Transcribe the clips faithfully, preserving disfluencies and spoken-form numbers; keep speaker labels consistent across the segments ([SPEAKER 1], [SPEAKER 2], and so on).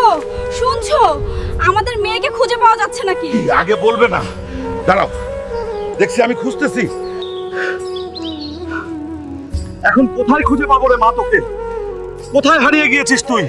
[SPEAKER 1] গো, শুনছো? আমাদের মেয়েকে খুঁজে পাওয়া যাচ্ছে নাকি?
[SPEAKER 2] আগে বলবে না, দাঁড়াও, দেখছি আমি খুঁজতেছি। এখন কোথায় খুঁজে পাবো রে মা তোকে? কোথায় হারিয়ে গিয়েছিস তুই?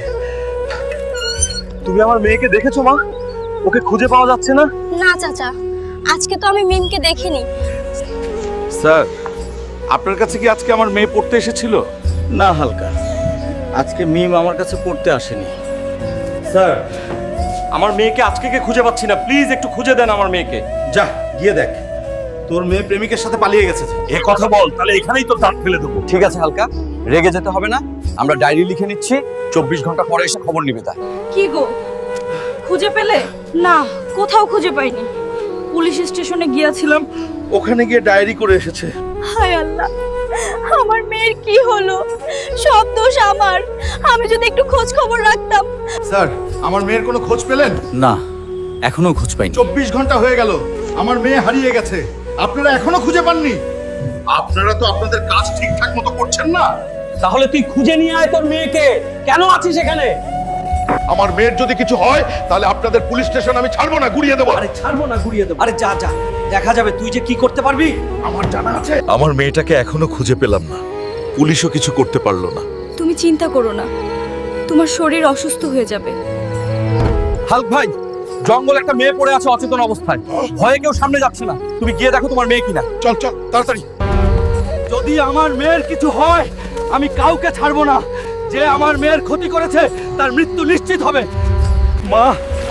[SPEAKER 2] তুমি আমার মেয়েকে দেখেছো মা? ওকে খুঁজে পাওয়া যাচ্ছে না।
[SPEAKER 1] না চাচা, আজকে তো আমি মিমকে দেখিনি।
[SPEAKER 2] স্যার, আপনার কাছে কি আজকে আমার মেয়ে পড়তে এসেছিল?
[SPEAKER 3] না হালকা, আজকে মিম আমার কাছে পড়তে আসেনি।
[SPEAKER 4] স্যার, আমার মেয়েকে আজকে কে খুঁজে পাচ্ছি না, প্লিজ একটু খুঁজে দেন আমার মেয়েকে।
[SPEAKER 2] যা গিয়ে দেখ, তোর মেয়ে প্রেমিকের সাথে পালিয়ে গেছে। এ কথা বল, তাহলে এখানেই তো দাঁত ফেলে দেবো।
[SPEAKER 3] ঠিক আছে হালকা, রেগে যেতে হবে না। আমরা ডায়েরি লিখে নিচ্ছি, চব্বিশ ঘন্টা পরে এসে খবর নিবে। তাই
[SPEAKER 1] কি গো, খুঁজে পেলে? না, কোথাও খুঁজে পাইনি। পুলিশ স্টেশনে গিয়েছিলাম,
[SPEAKER 2] ওখানে গিয়ে ডায়েরি করে এসেছে।
[SPEAKER 1] হায় আল্লাহ, আমার মেয়ের কি হলো? সব দোষ আমার। আমি যদি একটু খোঁজ খবর রাখতাম।
[SPEAKER 2] স্যার, আমার মেয়ের কোনো খোঁজ পেলেন?
[SPEAKER 3] না, এখনো খোঁজ পাইনি।
[SPEAKER 2] চব্বিশ ঘন্টা হয়ে গেল, আমার মেয়ে হারিয়ে গেছে, আপনারা এখনো খুঁজে পাননি? আপনারা তো আপনাদের কাজ ঠিকঠাক মতো করছেন না।
[SPEAKER 4] তাহলে তুই খুঁজে নিয়ে আয় তোর মেয়েকে। কেন আছিস এখানে?
[SPEAKER 2] আমার মেয়ের যদি কিছু হয় তাহলে আপনাদের পুলিশ স্টেশন আমি ছাড়বো না, গুড়িয়ে দেবো।
[SPEAKER 4] আরে ছাড়বো না, গুড়িয়ে দেবো। আরে যা যা, দেখা যাবে তুই যে কি করতে পারবি।
[SPEAKER 2] আমার জানা আছে। আমার মেয়েটাকে এখনো খুঁজে পেলাম না, পুলিশও কিছু করতে পারলো না।
[SPEAKER 1] তুমি চিন্তা করো না, তোমার শরীর অসুস্থ হয়ে যাবে।
[SPEAKER 4] হালক ভাই, জঙ্গলে একটা মেয়ে পড়ে আছে অচেতন অবস্থায়, ভয়ে কেউ সামনে যাচ্ছে না। তুমি গিয়ে দেখো তোমার মেয়ে কিনা।
[SPEAKER 2] চল চল তাড়াতাড়ি।
[SPEAKER 4] যদি আমার মেয়ের কিছু হয়, আমি কাউকে ছাড়বো না। যে আমার মেয়ের ক্ষতি করেছে তার মৃত্যু নিশ্চিত হবে। মা,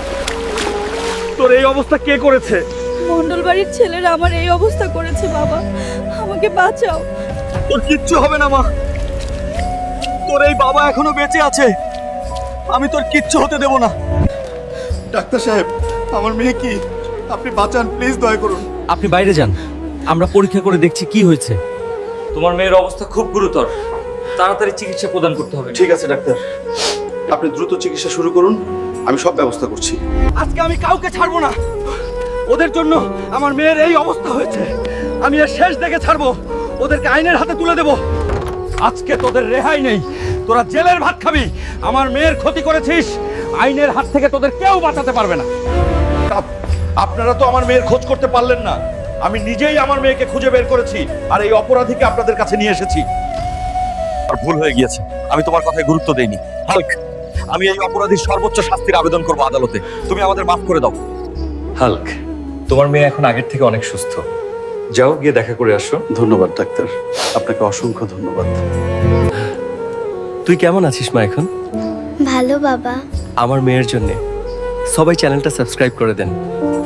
[SPEAKER 4] তোর এই অবস্থা কে করেছে?
[SPEAKER 1] মন্ডল বাড়ির ছেলেরা আমার এই অবস্থা করেছে। বাবা, আমাকে বাঁচাও।
[SPEAKER 4] তোর কিচ্ছু হবে না মা, তোর এই বাবা এখনো বেঁচে আছে। আমি তোর কিচ্ছু হতে দেব না।
[SPEAKER 2] ডাক্তার সাহেব, আমার মেয়ে কি? আপনি বাঁচান প্লিজ, দয়া করুন।
[SPEAKER 4] আপনি বাইরে যান, আমরা পরীক্ষা করে দেখছি কি হয়েছে। তোমার মেয়ের অবস্থা খুব গুরুতর, তাড়াতাড়ি চিকিৎসা প্রদান করতে হবে।
[SPEAKER 2] ঠিক আছে ডাক্তার, আপনি দ্রুত চিকিৎসা শুরু করুন, আমি সব ব্যবস্থা করছি।
[SPEAKER 4] আজকে আমি কাউকে ছাড়বো না। ওদের জন্য আমার মেয়ের এই অবস্থা হয়েছে। আমি এর শেষ দেখে ছাড়বো, ওদেরকে আইনের হাতে তুলে দেব। আজকে তোদের রেহাই নেই, তোরা জেলের ভাত খাবি। আমার মেয়ের ক্ষতি করেছিস, আইনের হাত থেকে তোদের কেউ বাঁচাতে পারবে না।
[SPEAKER 2] আপ- আপনারা তো আমার মেয়ের খোঁজ করতে পারলেন না, আমি নিজেই আমার মেয়েকে খুঁজে বের করেছি আর এই অপরাধীকে আপনাদের কাছে নিয়ে এসেছি।
[SPEAKER 3] আর ভুল হয়ে গিয়েছে, আমি তোমার কথায় গুরুত্ব দেইনি। হালক, আমি এই অপরাধীর সর্বোচ্চ শাস্তির আবেদন করব আদালতে। তুমি আমাদের মাফ করে দাও।
[SPEAKER 5] হাল্ক, তোমার মেয়ে এখন আগের থেকে অনেক সুস্থ। যাও গিয়ে দেখা করে আসো।
[SPEAKER 6] ধন্যবাদ ডাক্তার, আপনাকে অসংখ্য ধন্যবাদ।
[SPEAKER 5] তুই কেমন আছিস মা এখন?
[SPEAKER 7] ভালো বাবা।
[SPEAKER 5] আমার মেয়ের জন্য সবাই চ্যানেলটা সাবস্ক্রাইব করে দেন।